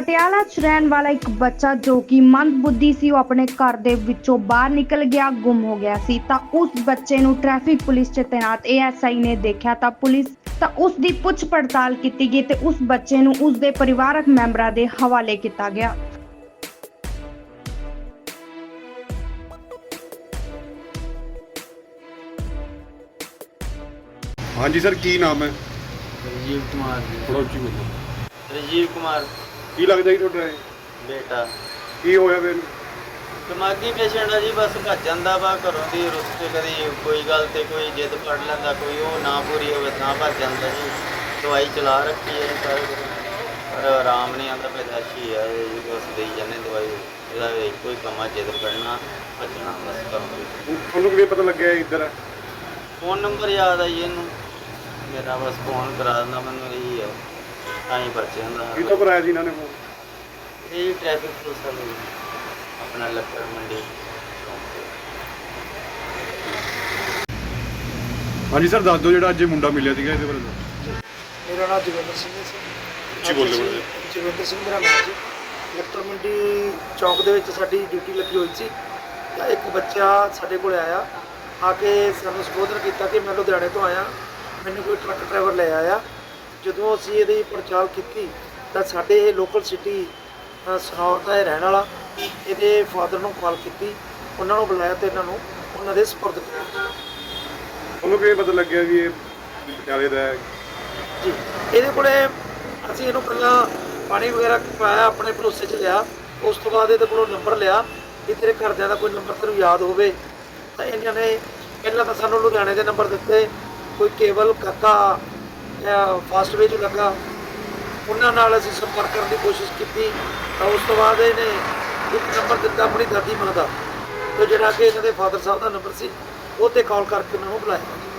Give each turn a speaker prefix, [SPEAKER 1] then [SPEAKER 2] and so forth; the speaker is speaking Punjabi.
[SPEAKER 1] ਪਟਿਆਲਾ 'ਚ ਰਹਿਣ ਵਾਲਾ ਇੱਕ ਬੱਚਾ ਜੋ ਕਿ ਮੰਦਬੁੱਧੀ ਸੀ, ਉਹ ਆਪਣੇ ਘਰ ਦੇ ਵਿੱਚੋਂ ਬਾਹਰ ਨਿਕਲ ਗਿਆ, ਗੁੰਮ ਹੋ ਗਿਆ ਸੀ। ਤਾਂ ਉਸ ਬੱਚੇ ਨੂੰ ਟ੍ਰੈਫਿਕ ਪੁਲਿਸ 'ਚ ਤੈਨਾਤ ASI ਨੇ ਦੇਖਿਆ ਤਾਂ ਉਸ ਦੀ ਪੁੱਛ ਪੜਤਾਲ ਕੀਤੀ ਗਈ ਤੇ ਉਸ ਬੱਚੇ ਨੂੰ ਉਸ ਦੇ ਪਰਿਵਾਰਕ ਮੈਂਬਰਾਂ ਦੇ ਹਵਾਲੇ ਕੀਤਾ ਗਿਆ।
[SPEAKER 2] हाँ जी सर, की नाम है?
[SPEAKER 3] राजीव कुमार जी।
[SPEAKER 2] थोड़ा उच्ची बोलो।
[SPEAKER 3] राजीव कुमार
[SPEAKER 2] की लगदा जी ਤੁਹਾਡਾ ਇਹ?
[SPEAKER 3] बेटा
[SPEAKER 2] ਕੀ ਹੋਇਆ ਫਿਰ?
[SPEAKER 3] दिमागी पेशेंट है जी, बस भज जाता वा घरों की रुस के, कभी कोई गल ते कोई जिद फड़ लैंदा, कोई वो ना पूरी होवे तां भज जाता जी। दवाई चला रखी है सारे पर आराम नहीं आता, पैदाशी है जी, बस दे जाने दवाई। ਇਹਦਾ ਇੱਕੋ ਹੀ ਕੰਮ ਆ, ਜਿੱਦ ਫੜਨਾ ਭੱਜਣਾ ਬਸ ਕਰੋ।
[SPEAKER 2] ਤੁਹਾਨੂੰ ਕਿਵੇਂ ਪਤਾ ਲੱਗਿਆ ਇੱਧਰ?
[SPEAKER 3] फ़ोन नंबर याद है जी इनू, मेरा बस फ़ोन करा दिंदा मैनू, यही है तां ही बच जांदा।
[SPEAKER 2] ਕਿੱਥੋਂ ਕਰਾਇਆ ਸੀ ਇਹਨਾਂ ਨੇ ਫੋਨ?
[SPEAKER 3] ये जी ट्रैफिक पुलिस वाले अपना लक्कड़ मंडी।
[SPEAKER 2] ਹਾਂਜੀ ਸਰ, ਦੱਸ ਦਿਓ ਜਿਹੜਾ ਅੱਜ ਇਹ ਮੁੰਡਾ ਮਿਲਿਆ ਸੀਗਾ ਇਹਦੇ ਬਾਰੇ।
[SPEAKER 4] ਮੇਰਾ ਨਾਮ ਜੋਗਿੰਦਰ ਸਿੰਘ ਹੈ ਸਰ।
[SPEAKER 2] ਉੱਚੀ ਬੋਲੋ ਬੋਲੋ।
[SPEAKER 4] ਜੋਗਿੰਦਰ ਸਿੰਘ ਮੇਰਾ ਨਾਮ ਜੀ। ਲੱਕੜ ਮੰਡੀ ਚੌਂਕ ਦੇ ਵਿੱਚ ਸਾਡੀ ਡਿਊਟੀ ਲੱਗੀ ਹੋਈ ਸੀ ਤਾਂ ਇੱਕ ਬੱਚਾ ਸਾਡੇ ਕੋਲ ਆਇਆ, ਆ ਕੇ ਸਾਨੂੰ ਸੰਬੋਧਨ ਕੀਤਾ ਕਿ ਮੈਂ ਲੁਧਿਆਣੇ ਤੋਂ ਆਇਆ, ਮੈਨੂੰ ਕੋਈ ਟਰੱਕ ਡਰਾਈਵਰ ਲੈ ਆਇਆ। ਜਦੋਂ ਅਸੀਂ ਇਹਦੀ ਪੜਤਾਲ ਕੀਤੀ ਤਾਂ ਸਾਡੇ ਇਹ ਲੋਕਲ ਸਿਟੀ ਸਨੌਰ ਦਾ ਇਹ ਰਹਿਣ ਵਾਲਾ, ਇਹਦੇ ਫਾਦਰ ਨੂੰ ਕਾਲ ਕੀਤੀ, ਉਹਨਾਂ ਨੂੰ ਬੁਲਾਇਆ ਤੇ ਇਹਨਾਂ ਨੂੰ ਉਹਨਾਂ ਦੇ ਸਪੁਰਦ ਕੀਤਾ।
[SPEAKER 2] ਤੁਹਾਨੂੰ ਕਿਵੇਂ ਪਤਾ ਲੱਗਿਆ ਵੀ ਇਹ ਪਟਿਆਲੇ ਦਾ ਹੈ?
[SPEAKER 4] ਜੀ, ਇਹਦੇ ਕੋਲੇ ਅਸੀਂ ਇਹਨੂੰ ਪਹਿਲਾਂ ਪਾਣੀ ਵਗੈਰਾ ਪਾਇਆ, ਆਪਣੇ ਭਰੋਸੇ 'ਚ ਲਿਆ। ਉਸ ਤੋਂ ਬਾਅਦ ਇਹਦੇ ਕੋਲੋਂ ਨੰਬਰ ਲਿਆ ਕਿ ਤੇਰੇ ਘਰਦਿਆਂ ਦਾ ਕੋਈ ਨੰਬਰ ਤੈਨੂੰ ਯਾਦ ਹੋਵੇ ਤਾਂ ਇਹਨਾਂ ਨੇ ਪਹਿਲਾਂ ਤਾਂ ਸਾਨੂੰ ਲੁਧਿਆਣੇ ਦੇ ਨੰਬਰ ਦਿੱਤੇ, ਕੋਈ ਕੇਵਲ ਕਾਕਾ ਫਾਸਟਵੇ 'ਚ ਲੱਗਾ, ਉਹਨਾਂ ਨਾਲ ਅਸੀਂ ਸੰਪਰਕ ਕਰਨ ਦੀ ਕੋਸ਼ਿਸ਼ ਕੀਤੀ। ਤਾਂ ਉਸ ਤੋਂ ਬਾਅਦ ਇਹਨੇ ਇੱਕ ਨੰਬਰ ਦਿੱਤਾ ਆਪਣੀ ਦਾਦੀ ਮਾਂ ਦਾ, ਤੇ ਜਿਹੜਾ ਕਿ ਇਹਨਾਂ ਦੇ ਫਾਦਰ ਸਾਹਿਬ ਦਾ ਨੰਬਰ ਸੀ, ਉਹ 'ਤੇ ਕਾਲ ਕਰਕੇ ਉਹਨਾਂ ਨੂੰ ਬੁਲਾਇਆ।